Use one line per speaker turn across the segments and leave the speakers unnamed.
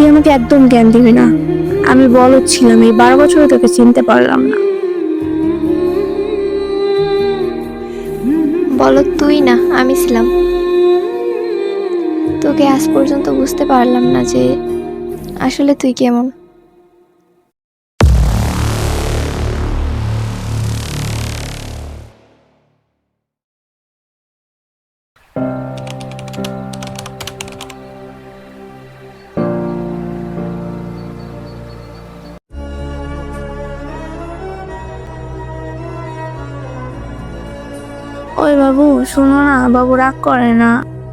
তুই আমাকে একদম জ্ঞান দিবি না। আমি বলদ ছিলাম, এই 12 বছরে তোকে চিনতে পারলাম না।
বলো, তুই না আমি ছিলাম। তোকে আজ পর্যন্ত বুঝতে পারলাম না যে আসলে তুই কেমন।
ওই বাবু, শোনো না, বাবু রাগ করে না।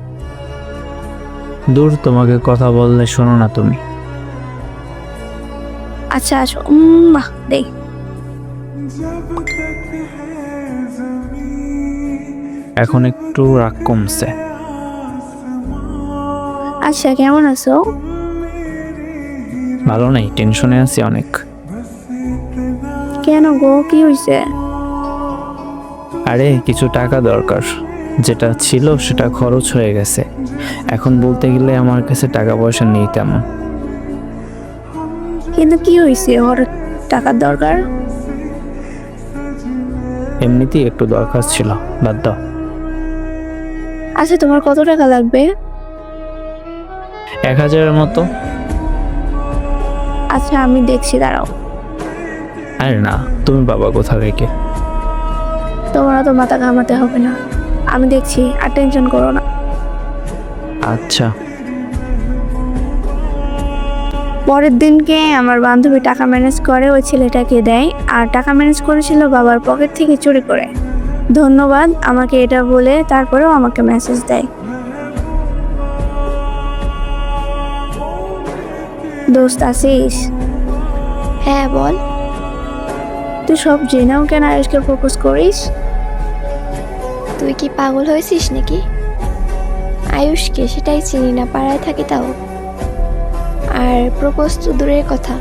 দূর, তোমাকে কথা বললে শোনো না তুমি।
আচ্ছা আসো, বাহ দেখ।
এখন একটু রাগ কমছে।
আচ্ছা কেমন আছো?
ভালো নেই, টেনশনে আছি অনেক।
কেন গো, কি হয়েছে?
আরে কিছু টাকা দরকার, যেটা ছিল সেটা খরচ হয়ে গেছে। এখন বলতে গেলে আমার কাছে টাকা পয়সা নেই তেমন।
কিন্তু কি হয়েছে, ওর টাকার দরকার?
এমনিতেই একটু দরকার ছিল, বাদ দাও।
আচ্ছা তোমার কত টাকা লাগবে?
1000-এর মতো।
আচ্ছা আমি দেখছি, দাঁড়াও।
আরে না, তুমি বাবা কোথা থেকে?
তোমার তো মাথা ঘামাতে হবে না, আমি দেখছি, আর টেনশন করো না।
আচ্ছা।
পরের দিনকে আমার বান্ধবী টাকা ম্যানেজ করে ওই ছেলেটাকে দেয়, আর টাকা ম্যানেজ করেছিল বাবার পকেট থেকে চুরি করে। ধন্যবাদ আমাকে এটা বলে, তারপরেও আমাকে মেসেজ দেয়। দোস্ত আসিস?
হ্যাঁ বল।
তুই সব জেনেও কেন আয়ুষকে প্রপোজ করিস?
তুই কি পাগল হয়েছিস নাকি? আয়ুষকে সেটাই চিনি না, পাড়ায় থাকি তাও। আর প্রপোজ তো দূরের কথা।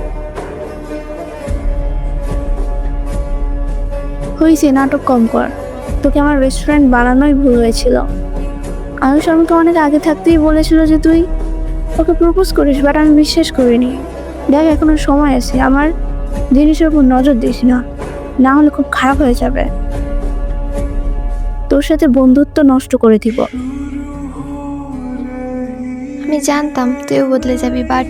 হয়েছে, নাটক কম কর। তোকে আমার রেস্টুরেন্ট বানানোই ভুল হয়েছিল। আয়ুষ আমাকে অনেক আগে থাকতেই বলেছিল যে তুই ওকে প্রপোজ করিস, বাট আমি বিশ্বাস করিনি। দেখ এখনো সময় আছে, আমার জিনিসের উপর নজর দিস না, না হলে খুব খারাপ হয়ে যাবে। তোর সাথে বন্ধুত্ব নষ্ট করে দিব।
আমি জানতাম তুইও বদলে যাবি, বাট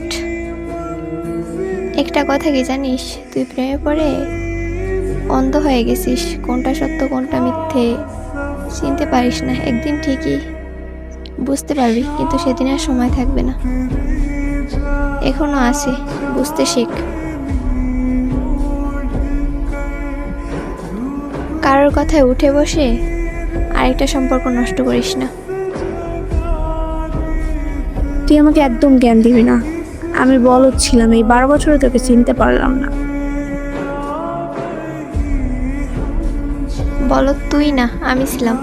একটা কথা কি জানিস, তুই প্রেমে পড়ে অন্ধ হয়ে গেছিস। কোনটা সত্য কোনটা মিথ্যে চিনতে পারিস না। একদিন ঠিকই বুঝতে পারবি, কিন্তু সেদিন আর সময় থাকবে না। এখনো আছে, বুঝতে শেখ। কারোর কথায় উঠে বসে আরেকটা সম্পর্ক নষ্ট করিস না।
তুই আমাকে একদম জ্ঞান দিবি না। আমি বলদ ছিলাম, এই 12 বছরে তোকে চিনতে পারলাম না।
বলো, তুই না আমি ছিলাম।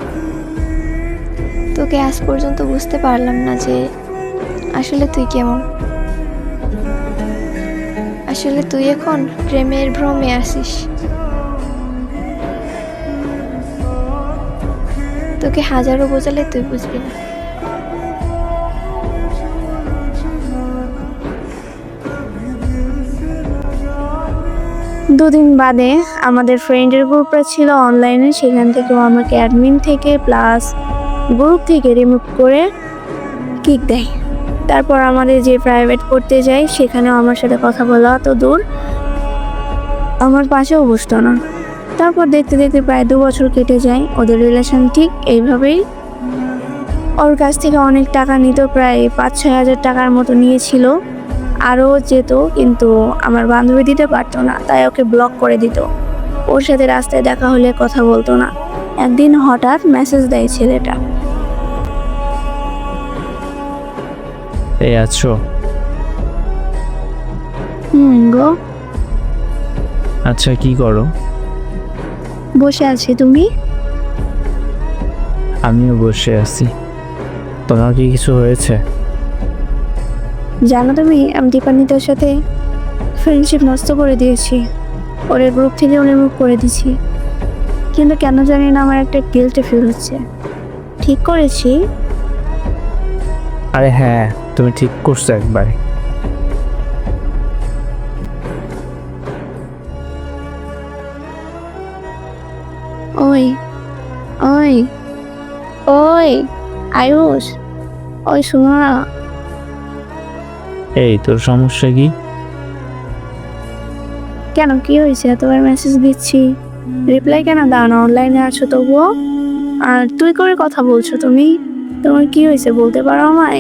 তোকে আজ পর্যন্ত বুঝতে পারলাম না যে আসলে তুই কেমন। আসলে তুই এখন প্রেমের ভ্রমে আসিস। তোকে হাজারো বোঝালে তুই বুঝবি না।
দুদিন বাদে আমাদের ফ্রেন্ডের গ্রুপটা ছিল অনলাইনে, সেখান থেকেও আমাকে অ্যাডমিন থেকে প্লাস গ্রুপ থেকে রিমুভ করে কিক দেয়। তারপর আমাদের যে প্রাইভেট পড়তে যাই সেখানেও আমার সাথে কথা বলা তো দূর, আমার পাশেও বসতো না। তারপর দেখতে দেখতে প্রায় 2 বছর কেটে যায়, ওদের রিলেশন ঠিক এইভাবেই। ওর কাছ থেকে অনেক টাকা নিত, প্রায় 5-6 হাজার টাকার মতো নিয়েছিল। আরও যেত, কিন্তু আমার বান্ধবী দিতে পারতো না, তাই ওকে ব্লক করে দিত। ওর সাথে রাস্তায় দেখা হলে কথা বলতো না। একদিন হঠাৎ মেসেজ দেয় ছেলেটা।
এই আছো?
গো।
আচ্ছা, কি করো?
বসে আছি, তুমি?
আমিও বসে আছি। তোমার কি কিছু হয়েছে?
জানো তুমি, আমি দীপান্বিতার সাথে ফ্রেন্ডশিপ নষ্ট করে দিয়েছি, ওর গ্রুপ থেকে রিমুভ করে দিয়েছি। কিন্তু কেন জানি না আমার একটা গিল্ট ফিল হচ্ছে। ঠিক করেছি?
আরে হ্যাঁ, তুমি ঠিক করছো একবার।
ওই ওই ওই আয়ুষ, ওই শোনো না।
এই তোর সমস্যা কি?
কেন, কি হয়েছে? এতবার মেসেজ দিচ্ছি, রিপ্লাই কেন দাও না? অনলাইনে আছো তবুও, আর তুই করে কথা বলছো তুমি। তোমার কি হয়েছে বলতে পারো আমায়?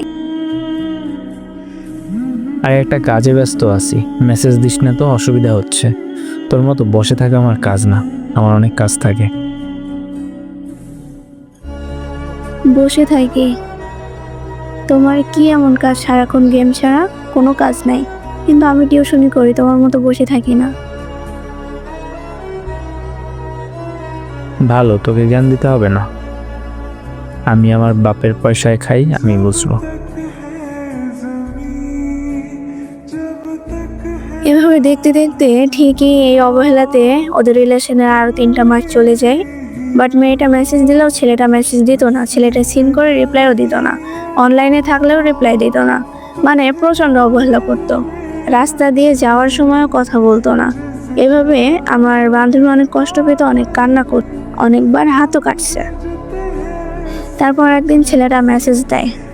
আর একটা কাজে ব্যস্ত আছি, মেসেজ দিস না তো, অসুবিধা হচ্ছে। তোর মতো বসে থাকা আমার কাজ না, আমার অনেক কাজ থাকে।
বসে থাকি? তোমার কি এমন কাজ সারাক্ষণ গেম ছাড়া? কোনো কাজ নাই। কিন্তু আমি টিউশনি করি, তোমার মতো বসে থাকি না।
ভালো, তোকে জ্ঞান দিতে হবে না। আমি আমার বাপের পয়সায় খাই, আমি বুঝবো।
এভাবে দেখতে দেখতে ঠিকই এই অবহেলাতে ওদের রিলেশনের আরো 3টা মাস চলে যায়। বাট মেয়েটা মেসেজ দিলেও ছেলেটা মেসেজ দিত না, ছেলেটা সিন করে রিপ্লাইও দিত না, অনলাইনে থাকলেও রিপ্লাই দিত না, মানে প্রচণ্ড অবহেলা করতো। রাস্তা দিয়ে যাওয়ার সময়ও কথা বলতো না। এভাবে আমার বান্ধবী অনেক কষ্ট পেত, অনেক কান্না করত, অনেকবার হাতও কাটছে। তারপর একদিন ছেলেটা মেসেজ দেয়,